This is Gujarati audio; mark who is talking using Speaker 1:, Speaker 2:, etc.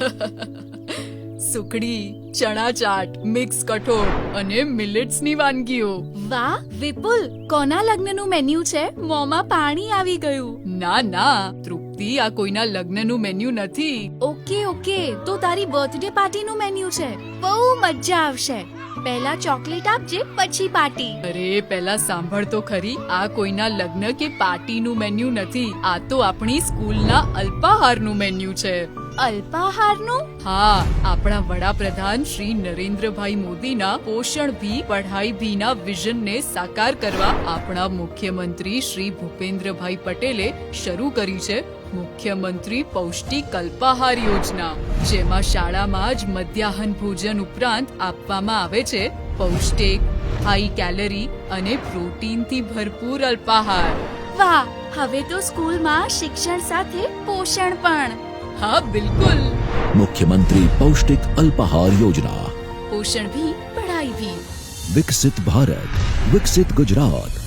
Speaker 1: સુખડી, ચણા ચાટ, મિક્સ કઠોળ અને મિલેટ્સની વાનગીઓ.
Speaker 2: વાહ વિપુલ, કોના લગ્નનું મેન્યુ છે? મોંમાં પાણી આવી ગયું.
Speaker 1: ના તૃપ્તિ, આ કોઈના લગ્નનું મેન્યુ નથી.
Speaker 2: ઓકે, તો તારી બર્થડે પાર્ટીનું મેન્યુ છે. બહુ મજા આવશે. પહેલા ચોકલેટ આપજે, પછી પાર્ટી.
Speaker 1: અરે પહેલા સાંભળ તો ખરી, આ કોઈના લગ્ન કે પાર્ટીનું મેન્યુ નથી. આ તો આપણી સ્કૂલના અલ્પાહારનું મેન્યુ છે.
Speaker 2: અલ્પાહારનું?
Speaker 1: હા, આપણા વડાપ્રધાન શ્રી નરેન્દ્રભાઈ મોદીના પોષણ ભી પઢાઈ ભીના વિઝનને સાકાર કરવા આપણા મુખ્યમંત્રી શ્રી ભૂપેન્દ્રભાઈ પટેલે શરૂ કરી છે મુખ્યમંત્રી પૌષ્ટિક અલ્પાહાર યોજના, જેમાં શાળામાં જ મધ્યાહન ભોજન ઉપરાંત આપવામાં આવે છે પૌષ્ટિક, હાઈ કેલરી અને પ્રોટીનથી ભરપૂર અલ્પાહાર.
Speaker 2: વાહ, હવે તો સ્કૂલમાં શિક્ષણ સાથે પોષણ પણ.
Speaker 1: હા બિલકુલ.
Speaker 3: मुख्यमंत्री पौष्टिक अल्पाहार योजना.
Speaker 1: પોષણ ભી પઢાઈ ભી.
Speaker 3: विकसित भारत, विकसित गुजरात.